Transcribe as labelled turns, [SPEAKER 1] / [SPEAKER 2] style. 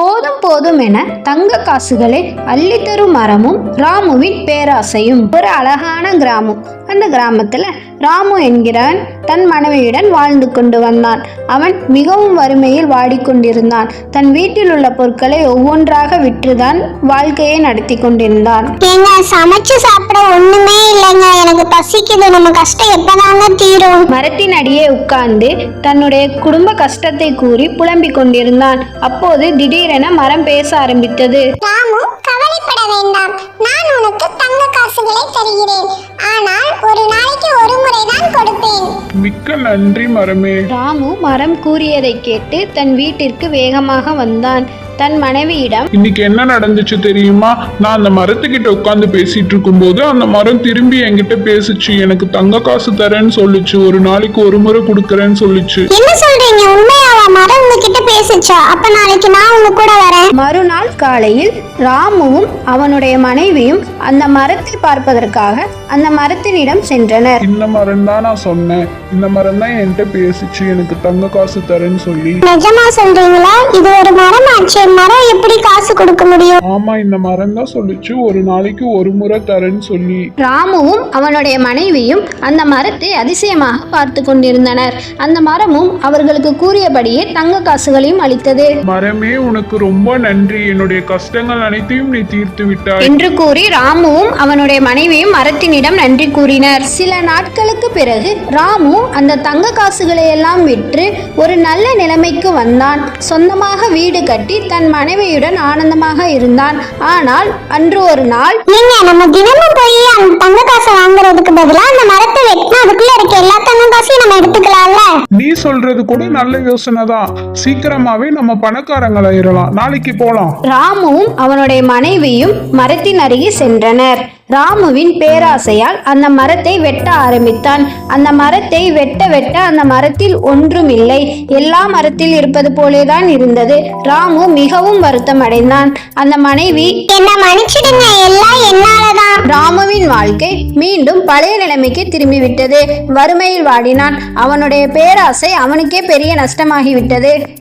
[SPEAKER 1] போதும் போதும் என தங்க காசுகளை அள்ளித்தரும் மரமும் ராமுவின் பேராசையும். ஒரு அழகான கிராமம். அந்த கிராமத்துல ராமு என்கிறவன் தன் மனைவியுடன் வாழ்ந்து கொண்டு வந்தான். அவன் மிகவும் வறுமையில் வாடிக்கொண்டிருந்தான். தன் வீட்டில் உள்ள பொருட்களை ஒவ்வொன்றாக விற்றுதான் வாழ்க்கையை நடத்தி கொண்டிருந்தான்.
[SPEAKER 2] சமைச்சு சாப்பிட ஒண்ணுமே இல்லைங்க, எனக்கு பசிக்குது, நம்ம கஷ்டம் எப்பதாங்க தீரும்?
[SPEAKER 1] மரத்தின் அடியே உட்கார்ந்து தன்னுடைய குடும்ப கஷ்டத்தை கூறி புலம்பிக் கொண்டிருந்தான். அப்போது திடீரென மரம் பேச ஆரம்பித்தது.
[SPEAKER 2] ராமு, கவலைப்பட வேண்டாம், நான் உனக்கு தங்க காசுகளை தருகிறேன். ஆனால் ஒரு நாளைக்கு ஒரு முறைதான் கொடுப்பேன்.
[SPEAKER 3] மிக்க நன்றி மரமே.
[SPEAKER 1] ராமு மரம் கூறியதை கேட்டு தன் வீட்டிற்கு வேகமாக வந்தான். தன் மனைவியிடம்,
[SPEAKER 3] இன்னைக்கு என்ன நடந்துச்சு தெரியுமா? நான் அந்த மரத்துக்கிட்ட உட்காந்து பேசிட்டு இருக்கும் போது அந்த மரம் திரும்பி என்கிட்ட பேசுச்சு. எனக்கு தங்க காசு தரேன்னு சொல்லுச்சு, ஒரு நாளைக்கு ஒரு முறை கொடுக்கறேன்னு சொல்லுச்சு.
[SPEAKER 2] என்ன சொல்றீங்க? உண்மையாவா? மரம் உங்ககிட்ட பேசுச்சா? அப்ப நாளைக்கு நான் உங்க கூட வரேன்.
[SPEAKER 1] மறுநாள் காலையில் ராமுவும் அவனுடைய மனைவியும் அந்த மரத்தை பார்ப்பதற்காக அந்த மரத்தினிடம் சென்றனர்.
[SPEAKER 3] இந்த மரம் தான் நான் சொன்னேன், இந்த மரம் தான் என்கிட்ட பேசுச்சு, எனக்கு தங்க காசு தரேன்னு சொல்லி.
[SPEAKER 2] நிஜமா சொல்றீங்களா? இது ஒரு மரம் ஆச்சு, மரம் எப்படி காசு கொடுக்க முடியும்?
[SPEAKER 3] ஆமா, இந்த மரம் தான் சொல்லுச்சு, ஒரு நாளைக்கு ஒரு முறை தரேன்னு சொல்லி.
[SPEAKER 1] ராமுவும் அவனுடைய மனைவியும் அந்த மரத்தை அதிசயமாக பார்த்து கொண்டிருந்தனர். அந்த மரமும் அவர்களுக்கு கூறியபடியே தங்க காசுகளையும் அளித்தது.
[SPEAKER 3] மரமே, உனக்கு ரொம்ப நன்றி, என்னுடைய கஷ்டங்கள் அனைத்தையும் நீ தீர்த்து விட்டாய்
[SPEAKER 1] என்று கூறி ராமுவும் அவனுடைய மனைவியும் மரத்தினிடம் நன்றி கூறினர். சில நாட்களுக்கு பிறகு ராமு அந்த தங்க காசுகளை எல்லாம் விற்று ஒரு நல்ல நிலைமைக்கு வந்தான். சொந்தமாக வீடு கட்டி தன் மனைவியுடன் ஆனந்தமாக இருந்தான். ஆனால் அன்று ஒரு நாள்,
[SPEAKER 2] நம்ம தினமும் போய் அந்த தங்க காசை வாங்குறதுக்கு பதிலா அந்த மரத்தை வெட்டினா அதுக்குள்ள இருக்க எல்லா தங்க காசையும் நம்ம எடுத்துக்கலாம்ல?
[SPEAKER 3] நீ சொல்றது கூட நல்ல யோசனை தான். சீக்கிரமாவே நம்ம பணக்காரங்களாயிரலாம், நாளைக்கு போலாம்.
[SPEAKER 1] ராமுவும் அவனுடைய மனைவியும் மரத்தின் அருகே சென்றனர். ராமுவின் பேராசையால் அந்த மரத்தை வெட்ட ஆரம்பித்தான். அந்த மரத்தை வெட்ட வெட்ட அந்த மரத்தில் ஒன்றும் இல்லை, எல்லா மரத்தில் இருப்பது போலேதான் இருந்தது. ராமு மிகவும் வருத்தம் அடைந்தான். அந்த மனைவி,
[SPEAKER 2] என்ன மன்னிச்சிடுங்க, எல்லாம் என்னாலதான்.
[SPEAKER 1] ராமுவின் வாழ்க்கை மீண்டும் பழைய நிலைமைக்கு திரும்பிவிட்டது. வறுமையில் வாடினான். அவனுடைய பேராசை அவனுக்கே பெரிய நஷ்டமாகிவிட்டது.